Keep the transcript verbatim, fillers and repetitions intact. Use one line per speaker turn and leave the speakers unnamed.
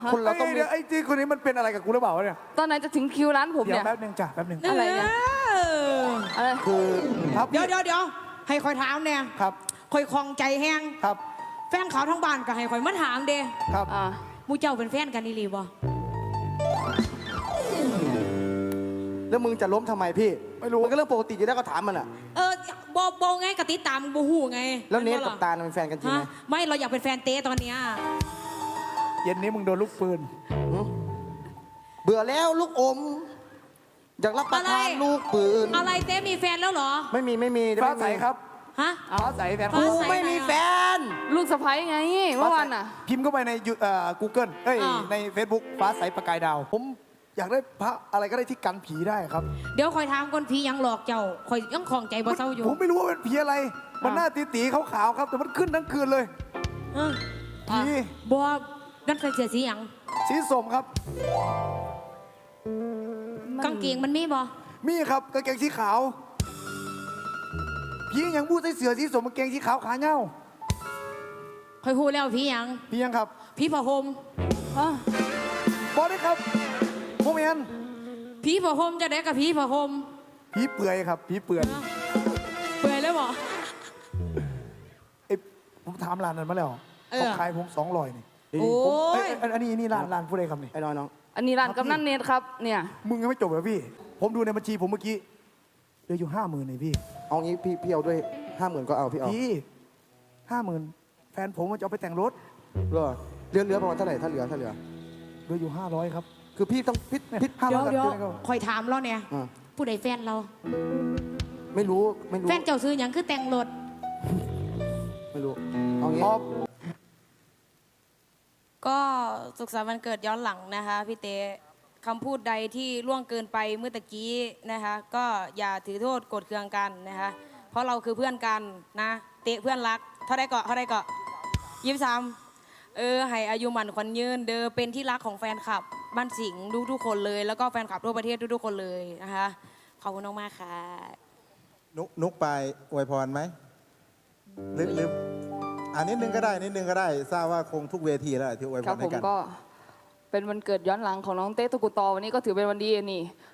คนเราต้อง
เดี๋ยวไอ้จีคนนี้มันเป็นอะไรกับกูหรือเปล่าวะเนี่ย
ตอนไหนจะถึงคิวร้านผม
เดี๋ย
เนี่
วย แป๊บหนึงจ้ะแป๊บหนึง
อะไรเนี่ย
เออ
อะไร
คือครับ
เดี๋ยวเดี๋ยวเดี๋ยวให้คอยถามเนี่ย
ครับ
คอยคลองใจแห้ง
ครับ
แฟนเขาทั้งบ้านก็ให้คอยมาถามเด้
ครับ
อ่า
หมูเจ้าเป็นแฟนกันนี่หรือบ่
แล้วมึงจะล้มทำไมพี่
ไม่รู้
มันก็เรื่องปกติอยู่แล้วก็ถามมันอ่ะ
เออโบโบไงกติดตามบูฮูไง
แล้วเนท
ห็
กับตาลเป็นแฟนกันจริงไหม
ฮะไม่เราอยากเป็นแฟนเต้ตอนเนี้ย
เย็นนี้มึงโดนลูกปืน
เบื่อแล้วลูกอม อยากรับประทานลูกปืน
อะไรเต้มีแฟนแล้วเหรอ
ไม่มีไม่มี
ฟ้าใสครับ
ฮะ
ฟ้าใสแฟน
ฟ้า
กู
ใส
ไม่มีแฟน
ลูกสะใภ้ไงเมื่อวานน่ะ
พิมพ์เข้าไปในยูเอ่อ Google เอ้ย
อ่า
ใน Facebook ฟ้าใสประกายดาว ผมอยากได้พระอะไรก็ได้ที่กันผีได้ครับ
เดี๋ยวคอยถามคนผียังหลอกเจ้าคอยยังคลองใจบ่เศร้าอยู่
ผมไม่รู้ว่าเป็นผีอะไร มันหน้าตีตีๆขาวๆครับ แต่มันขึ้นทั้งคืนเลย
เออ
ผี
บัวนั่นใส่เสื้อสีหยัง
สีส้มครับ
กางเกงมันมีบ่
มีครับกางเกงสีขาวผียังพูดใส่เสือสีส้มกางเกงสีขาวขาเน่า
คอยฮู้แล้วผีหยัง
ผียังครับ
ผีผ้าห่ม
อ่ะ
บอได้ครับโมเมน
ผีผ้าห่มจะได้กับผีผ้าห่ม
ผีเปื่อยครับผีเปื่อย
เปื่อยเลยบ่
เอ้ยผมถามร้านนั้นมาแล้ว
เออ
เขาขายผมสองร้อยนี่
โอ้
ผมเอ้
ย
ยอันอันนี้อันนี้ร้านร้านผู้ใดครับนี่
ไอ้น้อยน้อง
อันนี้ร้านกำนันเนตครับเนี่ย
มึงยังไม่จบเหรอพี่ ผมดูในบัญชีผมเมื่อกี้เหลืออยู่ห้าหมื่นเลยพี่
เอางี้พี่พี่เอาด้วยห้าหมื่นก็เอาพี่เอา
พี่ห้าหมื่นแฟนผมมันจะเอาไปแต่งรถ
เหรอเหลือเหลือประมาณเท่าไหร่ถ้าเหลือถ้าเหลือ
เหลืออยู่ห้าร้อยครับ
คือพี่ต้องพิษพิษ
ห้า
เดี๋
ร้
ย
อ
วย เดี๋ยว
กับ
คอยถามเราเนี่ย
อ่า
ผู้ใดแฟนเรา
ไม่รู้ไม่รู้
แฟนเจ้าซื้อหยังคือแต่งรถ
ไม่รู้เอางี้
พอ
ก็สุขสันต์วันเกิดย้อนหลังนะคะพี่เต้คำพูดใดที่ล่วงเกินไปเมื่อตะกี้นะคะก็อย่าถือโทษโกรธเคืองกันนะคะเพราะเราคือเพื่อนกันนะเตะเพื่อนรักเท่าไรเกาะเท่าไรเกาะยิ้มซ้ำเออให้อายุหมันขวัญยืนเดอเป็นที่รักของแฟนคลับบ้านสิงห์ทุกทุกๆคนเลย แล้วก็แฟนคลับทั่วประเทศทุกๆคนเลยนะคะขอบคุณมากๆค่ะ
นุกนุกไปอวยพรไหมหรือหรืออ่านิดนึงก็ได้นิดนึงก็ได้ทราบว่าคงทุกเวทีแล้วที่อวยพ
ครั
ร
บผ
ให้
ม
กัน
ก็เป็นวันเกิดย้อนหลังของน้องเต้ตุกุตอวันนี้ก็ถือเป็นวันดีนี่